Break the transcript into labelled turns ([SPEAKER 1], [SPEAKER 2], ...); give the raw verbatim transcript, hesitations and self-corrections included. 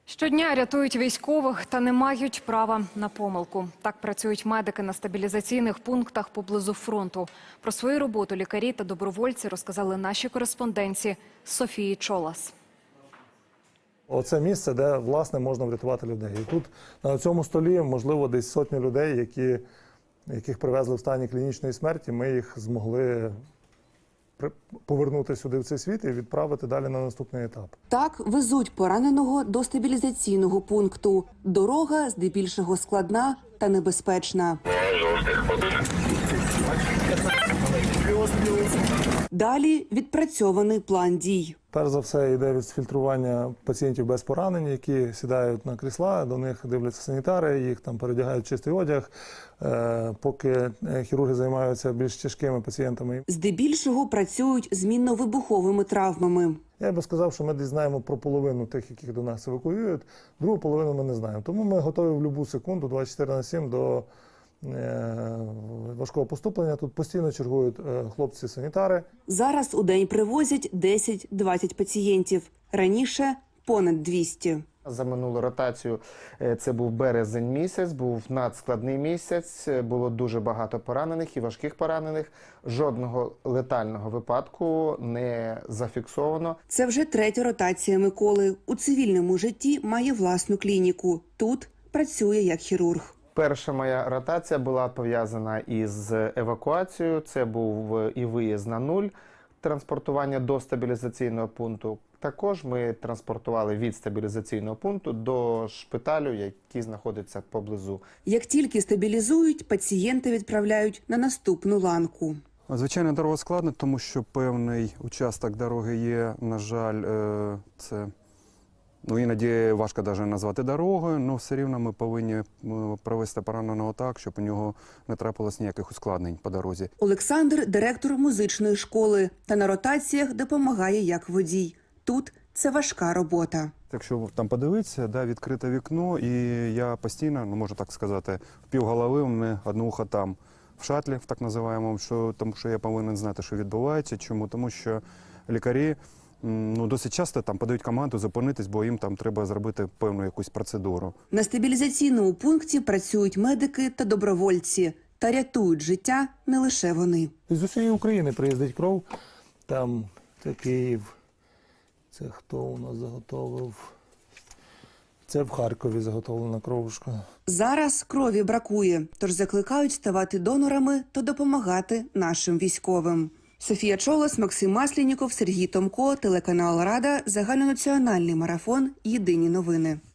[SPEAKER 1] Щодня рятують військових та не мають права на помилку. Так працюють медики на стабілізаційних пунктах поблизу фронту. Про свою роботу лікарі та добровольці розказали наші кореспонденці Софії Чолас.
[SPEAKER 2] Оце місце, де, власне, можна врятувати людей. І тут на цьому столі, можливо, десь сотні людей, які, яких привезли в стані клінічної смерті. Ми їх змогли повернути сюди в цей світ і відправити далі на наступний етап.
[SPEAKER 3] Так везуть пораненого до стабілізаційного пункту. Дорога здебільшого складна та небезпечна. Далі відпрацьований план дій.
[SPEAKER 2] Перш за все йде відфільтрування пацієнтів без поранень, які сідають на крісла, до них дивляться санітари, їх там передягають в чистий одяг, поки хірурги займаються більш тяжкими пацієнтами.
[SPEAKER 3] Здебільшого працюють з мінно-вибуховими травмами.
[SPEAKER 2] Я би сказав, що ми десь знаємо про половину тих, яких до нас евакуюють, другу половину ми не знаємо. Тому ми готові в будь-яку секунду, двадцять чотири на сім, до важкого поступлення. Тут постійно чергують хлопці-санітари.
[SPEAKER 3] Зараз у день привозять десять-двадцять пацієнтів. Раніше – понад двісті.
[SPEAKER 4] За минулу ротацію це був березень місяць, був надскладний місяць, було дуже багато поранених і важких поранених. Жодного летального випадку не зафіксовано.
[SPEAKER 3] Це вже третя ротація Миколи. У цивільному житті має власну клініку. Тут працює як хірург.
[SPEAKER 4] Перша моя ротація була пов'язана із евакуацією. Це був і виїзд на нуль, транспортування до стабілізаційного пункту. Також ми транспортували від стабілізаційного пункту до шпиталю, який знаходиться поблизу.
[SPEAKER 3] Як тільки стабілізують, пацієнта відправляють на наступну ланку.
[SPEAKER 5] Звичайно, дорога складна, тому що певний участок дороги є, на жаль, це... Ну, іноді важко навіть назвати дорогою, але все рівно ми повинні провести пораненого так, щоб у нього не трапилось ніяких ускладнень по дорозі.
[SPEAKER 3] Олександр – директор музичної школи та на ротаціях допомагає як водій. Тут це важка робота.
[SPEAKER 5] Якщо там подивитися, да, відкрите вікно, і я постійно, ну можу так сказати, в півголови у мене одне ухо там, в шатлі, в так називаємому, що, тому що я повинен знати, що відбувається. Чому? Тому що лікарі ну, досить часто там подають команду зупинитись, бо їм там треба зробити певну якусь процедуру.
[SPEAKER 3] На стабілізаційному пункті працюють медики та добровольці. Та рятують життя не лише вони.
[SPEAKER 2] З усієї України приїздить кров. Там це Київ. Це хто у нас заготовив? Це в Харкові заготовлена кровушка.
[SPEAKER 3] Зараз крові бракує, тож закликають ставати донорами та допомагати нашим військовим. Софія Чолас, Максим Маслініков, Сергій Томко, телеканал Рада, загальнонаціональний марафон «Єдині новини».